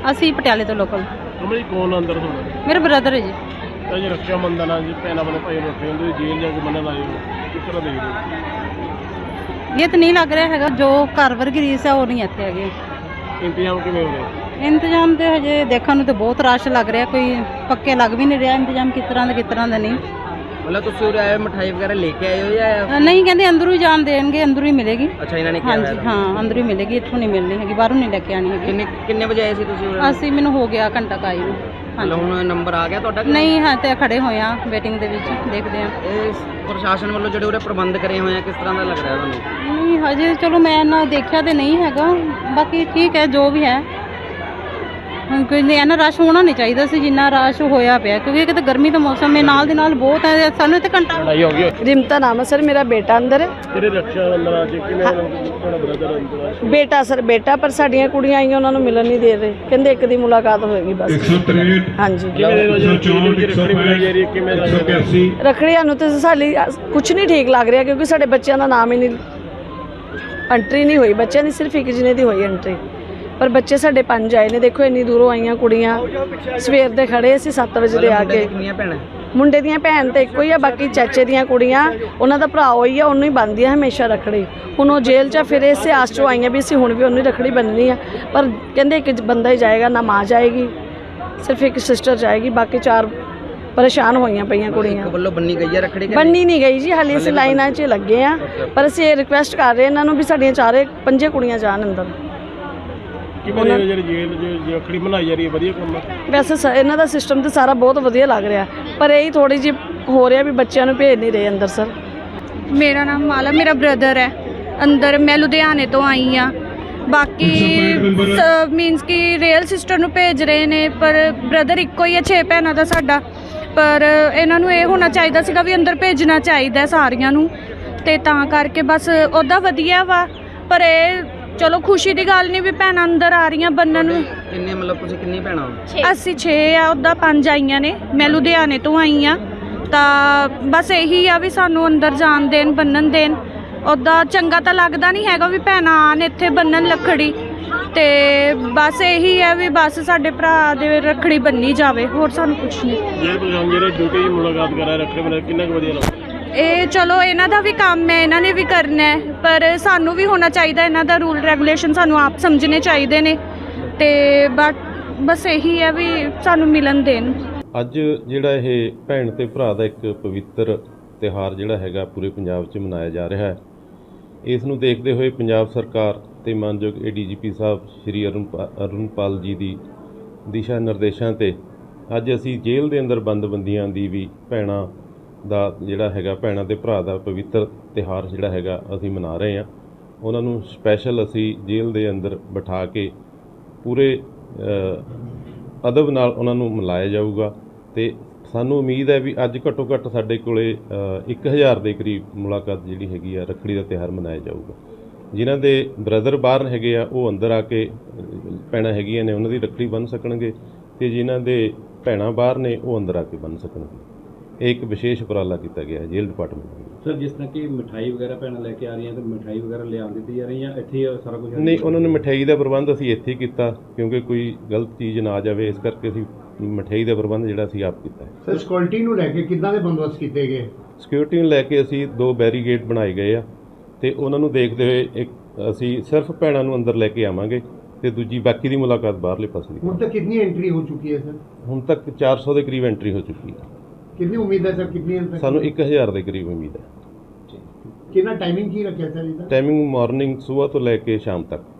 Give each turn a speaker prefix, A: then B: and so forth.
A: ਅਸੀਂ ਪਟਿਆਲੇ ਤੋਂ ਲੋਕਲ।
B: ਕਮਲ ਜੀ ਕੌਣ ਅੰਦਰ ਤੁਹਾਡਾ?
A: ਮੇਰੇ ਬ੍ਰਦਰ ਹੈ ਜੀ।
B: ਤਾਂ ਜੀ ਰੱਖਿਆ ਬੰਧਨ ਆ ਜੀ ਭੈਣਾਂ ਵੱਲੋਂ ਭਾਈ ਨੂੰ ਰੱਖੇ ਹੁੰਦੇ ਜੇਲ੍ਹ ਜਾ ਕੇ ਬੰਨਣ ਆਏ ਹੋ, ਕਿਸ ਤਰ੍ਹਾਂ ਦੇਖਦੇ ਹੋ?
A: ਇਹ ਤਾਂ ਨਹੀਂ ਲੱਗ ਰਿਹਾ ਹੈਗਾ ਜੋ ਘਰ ਵਰਗੀ ਰੀਸ ਹੈ ਉਹ ਨਹੀਂ ਇੱਥੇ ਹੈਗੇ।
B: ਇੰਤਜ਼ਾਮ ਕਿਵੇਂ ਹੋ ਰਿਹਾ?
A: ਇੰਤਜ਼ਾਮ ਤੇ ਹਜੇ ਦੇਖਣ ਨੂੰ ਤਾਂ ਬਹੁਤ ਰਸ਼ ਲੱਗ ਰਿਹਾ, ਕੋਈ ਪੱਕੇ ਲੱਗ ਵੀ ਨਹੀਂ ਰਿਹਾ ਇੰਤਜ਼ਾਮ ਕਿਸ ਤਰ੍ਹਾਂ ਦਾ ਨਹੀਂ।
C: मतलब ਤੁਸੀਂ ਉਰੇ ਆਏ ਮਿਠਾਈ ਵਗੈਰਾ ਲੈ ਕੇ ਆਏ ਹੋ ਜਾਂ
A: ਨਹੀਂ ਕਹਿੰਦੇ ਅੰਦਰੋਂ ਹੀ ਜਾਣ ਦੇਣਗੇ, ਅੰਦਰੋਂ ਹੀ ਮਿਲੇਗੀ।
C: ਅੱਛਾ ਇਹਨਾਂ ਨੇ ਕਿਹਾ
A: ਹਾਂਜੀ ਹਾਂ ਅੰਦਰੋਂ ਹੀ ਮਿਲੇਗੀ, ਇੱਥੋਂ ਨਹੀਂ ਮਿਲਣੀ ਹੈਗੀ, ਬਾਹਰੋਂ ਨਹੀਂ ਲੈ ਕੇ ਆਣੀ ਹੈਗੀ।
C: ਕਿੰਨੇ ਵਜੇ ਆਏ ਸੀ ਤੁਸੀਂ ਉਰੇ?
A: ਅਸੀਂ ਮੈਨੂੰ ਹੋ ਗਿਆ ਘੰਟਾ ਕਾਈ ਨੂੰ।
C: ਮਤਲਬ ਹੁਣ ਨੰਬਰ ਆ ਗਿਆ ਤੁਹਾਡਾ?
A: ਨਹੀਂ ਹਾਂ ਤੇ ਖੜੇ ਹੋਏ ਆ ਵੇਟਿੰਗ ਦੇ ਵਿੱਚ, ਦੇਖਦੇ ਆ।
C: ਇਹ ਪ੍ਰਸ਼ਾਸਨ ਵੱਲੋਂ ਜਿਹੜੇ ਉਰੇ ਪ੍ਰਬੰਧ ਕਰੇ ਹੋਏ ਆ ਕਿਸ ਤਰ੍ਹਾਂ ਦਾ ਲੱਗ ਰਿਹਾ ਤੁਹਾਨੂੰ?
A: ਨਹੀਂ ਹਜੇ ਚਲੋ ਮੈਂ ਨਾ ਦੇਖਿਆ ਤੇ ਨਹੀਂ ਹੈਗਾ, ਬਾਕੀ ਠੀਕ ਹੈ ਜੋ ਵੀ ਹੈ। ਹੁਣ ਕੋਈ ਇੰਨਾ ਰਸ਼ ਹੋਣਾ ਨਹੀਂ ਚਾਹੀਦਾ ਸੀ ਜਿੰਨਾ ਰਸ਼ ਹੋਇਆ ਪਿਆ, ਕਿਉਂਕਿ ਇੱਕ ਤਾਂ ਗਰਮੀ ਦਾ ਮੌਸਮ ਹੈ, ਨਾਲ ਦੇ ਨਾਲ ਬਹੁਤ ਹੈ। ਸਾਨੂੰ ਇੱਥੇ ਘੰਟਾ
B: ਲੜਾਈ ਹੋ ਗਈ।
D: ਰਿਮਤਾ ਨਾਮ ਹੈ ਸਰ, ਮੇਰਾ ਬੇਟਾ ਅੰਦਰ ਹੈ।
B: ਜਿਹੜੇ ਰੱਖਿਆ ਬੰਧਨ ਆ ਜੀ ਕਿਵੇਂ ਤੁਹਾਡਾ ਬ੍ਰਦਰ ਅੰਦਰ ਆ?
D: ਬੇਟਾ ਸਰ ਬੇਟਾ, ਪਰ ਸਾਡੀਆਂ ਕੁੜੀਆਂ ਆਈਆਂ ਉਹਨਾਂ ਨੂੰ ਮਿਲਣ ਨਹੀਂ ਦੇ ਰਹੇ, ਕਹਿੰਦੇ ਇੱਕ ਦੀ ਮੁਲਾਕਾਤ ਹੋਏਗੀ ਬਸ।
E: 163
D: ਹਾਂਜੀ
B: ਕਿਵੇਂ ਦੇ ਵਜੇ ਰੱਖੜੀ ਬਣਾਈ ਜਾ ਰਹੀ ਹੈ, ਕਿਵੇਂ ਦਾ
E: 181
D: ਰੱਖੜੀਆਂ ਨੂੰ ਤੇ ਸਾਡੀ ਕੁਝ ਨਹੀਂ ਠੀਕ ਲੱਗ ਰਿਹਾ, ਕਿਉਂਕਿ ਸਾਡੇ ਬੱਚਿਆਂ ਦਾ ਨਾਮ ਹੀ ਨਹੀਂ, ਐਂਟਰੀ ਨਹੀਂ ਹੋਈ ਬੱਚਿਆਂ ਦੀ, ਸਿਰਫ ਇੱਕ ਜਣੇ ਦੀ ਹੋਈ ਐਂਟਰੀ, ਪਰ ਬੱਚੇ ਸਾਡੇ 5 ਆਏ ਨੇ। ਦੇਖੋ ਇੰਨੀ ਦੂਰੋਂ ਆਈਆਂ ਕੁੜੀਆਂ, ਸਵੇਰ ਦੇ ਖੜੇ ਸੀ 7 ਵਜੇ ਦੇ ਆ ਕੇ।
C: ਕਿੰਨੀਆਂ ਭੈਣਾਂ?
D: ਮੁੰਡੇ ਦੀਆਂ ਭੈਣ ਤੇ ਇੱਕੋ ਹੀ ਆ, ਬਾਕੀ ਚਾਚੇ ਦੀਆਂ ਕੁੜੀਆਂ ਉਹਨਾਂ ਦਾ ਭਰਾ ਹੋਈ ਆ, ਉਹਨੂੰ ਹੀ ਬੰਨ੍ਹਦੀ ਆ ਹਮੇਸ਼ਾ ਰੱਖੜੀ। ਹੁਣ ਉਹ ਜੇਲ੍ਹ 'ਚ ਫਿਰ ਇਸੇ ਆਸ 'ਚੋਂ ਆਈਆਂ ਵੀ ਅਸੀਂ ਹੁਣ ਵੀ ਉਹਨੂੰ ਹੀ ਰੱਖੜੀ ਬੰਨ੍ਹਣੀ ਆ, ਪਰ ਕਹਿੰਦੇ ਇੱਕ ਬੰਦਾ ਹੀ ਜਾਏਗਾ, ਨਾ ਮਾਂ ਜਾਏਗੀ, ਸਿਰਫ ਇੱਕ ਸਿਸਟਰ ਜਾਏਗੀ, ਬਾਕੀ 4 ਪਰੇਸ਼ਾਨ ਹੋਈਆਂ ਪਈਆਂ ਕੁੜੀਆਂ।
C: ਵੱਲੋਂ ਬੰਨੀ ਗਈ ਹੈ ਰੱਖੜੀ?
D: ਬੰਨੀ ਨਹੀਂ ਗਈ ਜੀ, ਹਾਲੇ ਅਸੀਂ ਲਾਈਨਾਂ 'ਚ ਲੱਗੇ ਆ, ਪਰ ਅਸੀਂ ਇਹ ਰਿਕੁਐਸਟ ਕਰ ਰਹੇ ਇਹਨਾਂ ਨੂੰ ਵੀ ਸਾਡੀਆਂ 4-5 ਕੁੜੀਆਂ ਜਾਣ ਅੰਦਰ।
B: ਕਿਵੇਂ ਦੇ ਜਿਹੜੀ ਜੇਲ੍ਹ 'ਚ ਰੱਖੜੀ ਬਣਾਈ ਜਾ ਰਹੀ ਹੈ, ਵਧੀਆ ਕੰਮ ਹੈ
D: ਵੈਸੇ ਇਹਨਾਂ ਦਾ ਸਿਸਟਮ ਤੇ ਸਾਰਾ ਬਹੁਤ ਵਧੀਆ ਲੱਗ ਰਿਹਾ, ਪਰ ਇਹ ਥੋੜੀ ਜਿਹੀ ਹੋ ਰਿਹਾ ਵੀ ਬੱਚਿਆਂ ਨੂੰ ਭੇਜ ਨਹੀਂ ਰਹੇ ਅੰਦਰ ਸਰ।
F: ਮੇਰਾ ਨਾਮ ਮਾਲਾ, ਮੇਰਾ ਬ੍ਰਦਰ ਹੈ ਅੰਦਰ। ਮੈਂ ਲੁਧਿਆਣੇ ਤੋਂ ਆਈ ਆ। ਬਾਕੀ ਮੀਨਸ ਕਿ ਰੀਅਲ ਸਿਸਟਰ ਨੂੰ ਭੇਜ ਰਹੇ ਨੇ, ਪਰ ਬ੍ਰਦਰ ਇੱਕੋ ਹੀ ਹੈ, 6 ਭੈਣਾਂ ਦਾ ਸਾਡਾ। ਪਰ ਇਹਨਾਂ ਨੂੰ ਇਹ ਹੋਣਾ ਚਾਹੀਦਾ ਸੀਗਾ ਵੀ ਅੰਦਰ ਭੇਜਣਾ ਚਾਹੀਦਾ ਸਾਰੀਆਂ ਨੂੰ, ਤੇ ਤਾਂ ਕਰਕੇ ਬਸ ਉਹਦਾ ਵਧੀਆ ਵਾ। ਪਰ ਇਹ ਚਲੋ ਖੁਸ਼ੀ ਦੀ ਗੱਲ ਨਹੀਂ ਵੀ ਭੈਣਾਂ ਅੰਦਰ ਆ ਰਹੀਆਂ ਬੰਨਣ ਨੂੰ।
C: ਕਿੰਨੇ ਮਤਲਬ ਤੁਸੀਂ ਕਿੰਨੀ ਭੈਣਾਂ?
F: ਅਸੀਂ 6 ਆ, ਉੱਦਾਂ 5 ਆਈਆਂ ਨੇ, ਮੈਂ ਲੁਧਿਆਣੇ ਤੋਂ ਆਈ ਆ। ਤਾਂ ਬਸ ਇਹੀ ਆ ਵੀ ਸਾਨੂੰ ਅੰਦਰ ਜਾਣ ਦੇਣ, ਬੰਨਣ ਦੇਣ। ਉੱਦਾਂ ਚੰਗਾ ਤਾਂ ਲੱਗਦਾ ਨਹੀਂ ਹੈਗਾ ਵੀ ਭੈਣਾਂ ਆਣ ਇੱਥੇ ਬੰਨਣ ਲੱਕੜੀ, ਤੇ ਬਸ ਇਹੀ ਹੈ ਵੀ ਬਸ ਸਾਡੇ ਭਰਾ ਦੇ ਰੱਖੜੀ ਬੰਨੀ ਜਾਵੇ, ਹੋਰ ਸਾਨੂੰ ਕੁਛ ਨਹੀਂ।
B: ਜਿਹੜੇ ਡਿਊਟੀ ਦੀ ਮੁਲਾਕਾਤ ਕਰਾ ਰੱਖੜੀ ਬਣਾ ਕਿੰਨਾ ਕੁ ਵਧੀਆ ਲੱਗਦਾ?
F: ਇਹ ਚਲੋ ਇਹਨਾਂ ਦਾ ਵੀ ਕੰਮ ਹੈ, ਇਹਨਾਂ ਨੇ ਵੀ ਕਰਨਾ ਹੈ, ਪਰ ਸਾਨੂੰ ਵੀ ਹੋਣਾ ਚਾਹੀਦਾ, ਇਹਨਾਂ ਦਾ ਰੂਲ ਰੈਗੂਲੇਸ਼ਨ ਸਾਨੂੰ ਆਪ ਸਮਝਣੇ ਚਾਹੀਦੇ ਨੇ। ਤੇ ਬਸ ਇਹੀ ਹੈ ਵੀ ਸਾਨੂੰ ਮਿਲਣ ਦੇਣ।
G: ਅੱਜ ਜਿਹੜਾ ਇਹ ਭੈਣ ਤੇ ਭਰਾ ਦਾ ਇੱਕ ਪਵਿੱਤਰ ਤਿਉਹਾਰ ਜਿਹੜਾ ਹੈਗਾ ਪੂਰੇ ਪੰਜਾਬ 'ਚ ਮਨਾਇਆ ਜਾ ਰਿਹਾ ਹੈ, ਇਸ ਨੂੰ ਦੇਖਦੇ ਹੋਏ ਪੰਜਾਬ ਸਰਕਾਰ ਤੇ ਮਾਨਯੋਗ ADGP ਸਾਹਿਬ ਸ਼੍ਰੀ ਅਰੁਣਪਾਲ ਜੀ ਦੀ ਦਿਸ਼ਾ ਨਿਰਦੇਸ਼ਾਂ ਤੇ ਅੱਜ ਅਸੀਂ ਜੇਲ੍ਹ ਦੇ ਅੰਦਰ ਬੰਦੀਆਂ ਦੀ ਵੀ ਭੈਣਾਂ ਦਾ ਜਿਹੜਾ ਹੈਗਾ, ਭੈਣਾਂ ਤੇ ਭਰਾ ਦਾ ਪਵਿੱਤਰ ਤਿਉਹਾਰ ਜਿਹੜਾ ਹੈਗਾ ਅਸੀਂ ਮਨਾ ਰਹੇ ਹਾਂ। ਉਹਨਾਂ ਨੂੰ ਸਪੈਸ਼ਲ ਅਸੀਂ ਜੇਲ੍ਹ ਦੇ ਅੰਦਰ ਬਿਠਾ ਕੇ ਪੂਰੇ ਅਦਬ ਨਾਲ ਉਹਨਾਂ ਨੂੰ ਮਿਲਾਇਆ ਜਾਊਗਾ, ਤੇ ਸਾਨੂੰ ਉਮੀਦ ਹੈ ਵੀ ਅੱਜ ਘੱਟੋ ਘੱਟ ਸਾਡੇ ਕੋਲੇ 1000 ਦੇ ਕਰੀਬ ਮੁਲਾਕਾਤ ਜਿਹੜੀ ਹੈਗੀ ਆ ਰੱਖੜੀ ਦਾ ਤਿਉਹਾਰ ਮਨਾਇਆ ਜਾਊਗਾ। ਜਿਨ੍ਹਾਂ ਦੇ ਬ੍ਰਦਰ ਬਾਹਰ ਹੈਗੇ ਆ ਉਹ ਅੰਦਰ ਆ ਕੇ ਭੈਣਾਂ ਹੈਗੀਆਂ ਨੇ ਉਹਨਾਂ ਦੀ ਰੱਖੜੀ ਬੰਨ੍ਹ ਸਕਣਗੇ, ਤੇ ਜਿਨ੍ਹਾਂ ਦੇ ਭੈਣਾਂ ਬਾਹਰ ਨੇ ਉਹ ਅੰਦਰ ਆ ਕੇ ਬੰਨ੍ਹ ਸਕਣਗੇ। ਇਹ ਇੱਕ ਵਿਸ਼ੇਸ਼ ਉਪਰਾਲਾ ਕੀਤਾ ਗਿਆ ਹੈ ਜੇਲ੍ਹ ਡਿਪਾਰਟਮੈਂਟ ਵੱਲੋਂ।
H: ਸਰ ਜਿਸ ਤਰ੍ਹਾਂ ਕਿ ਮਿਠਾਈ ਵਗੈਰਾ ਭੈਣਾਂ ਲੈ ਕੇ ਆ ਰਹੀਆਂ, ਤਾਂ ਮਿਠਾਈ ਵਗੈਰਾ ਲਿਆ ਦਿੱਤੀ ਜਾ ਰਹੀ ਹੈ ਇੱਥੇ ਹੀ ਸਾਰਾ ਕੁਝ?
G: ਨਹੀਂ, ਉਹਨਾਂ ਨੇ ਮਠਿਆਈ ਦਾ ਪ੍ਰਬੰਧ ਅਸੀਂ ਇੱਥੇ ਹੀ ਕੀਤਾ, ਕਿਉਂਕਿ ਕੋਈ ਗਲਤ ਚੀਜ਼ ਨਾ ਆ ਜਾਵੇ, ਇਸ ਕਰਕੇ ਅਸੀਂ ਮਠਿਆਈ ਦਾ ਪ੍ਰਬੰਧ ਜਿਹੜਾ ਅਸੀਂ ਆਪ ਕੀਤਾ ਹੈ।
I: ਸਰ ਸਿਕਿਉਰਿਟੀ ਨੂੰ ਲੈ ਕੇ ਕਿੱਦਾਂ ਦੇ ਬੰਦੋਬਸਤ ਕੀਤੇ ਗਏ?
G: ਸਿਕਿਉਰਿਟੀ ਨੂੰ ਲੈ ਕੇ ਅਸੀਂ 2 ਬੈਰੀਗੇਡ ਬਣਾਏ ਗਏ ਆ, ਤੇ ਉਹਨਾਂ ਨੂੰ ਦੇਖਦੇ ਹੋਏ ਅਸੀਂ ਸਿਰਫ ਭੈਣਾਂ ਨੂੰ ਅੰਦਰ ਲੈ ਕੇ ਆਵਾਂਗੇ, ਤੇ ਦੂਜੀ ਬਾਕੀ ਦੀ ਮੁਲਾਕਾਤ ਬਾਹਰਲੇ ਪਾਸੇ ਦੀ।
I: ਹੁਣ ਤੱਕ ਕਿੰਨੀ ਐਂਟਰੀ ਹੋ ਚੁੱਕੀ ਹੈ ਸਰ?
G: ਹੁਣ ਤੱਕ 400 ਦੇ ਕਰੀਬ ਐਂਟਰੀ ਹੋ ਚੁੱਕੀ ਹੈ।
I: ਕਿੰਨੀ ਉਮੀਦ ਹੈ ਸਰ, ਕਿੰਨੀ
G: ਸਾਨੂੰ 1000 ਦੇ ਕਰੀਬ ਉਮੀਦ ਹੈ।
I: ਕਿੰਨਾ ਟਾਈਮਿੰਗ ਕੀ ਰੱਖਿਆ ਸਰ ਇਹਦਾ?
G: ਟਾਈਮਿੰਗ ਮਾਰਨਿੰਗ ਸਵੇਰ ਤੋਂ ਲੈ ਕੇ ਸ਼ਾਮ ਤੱਕ।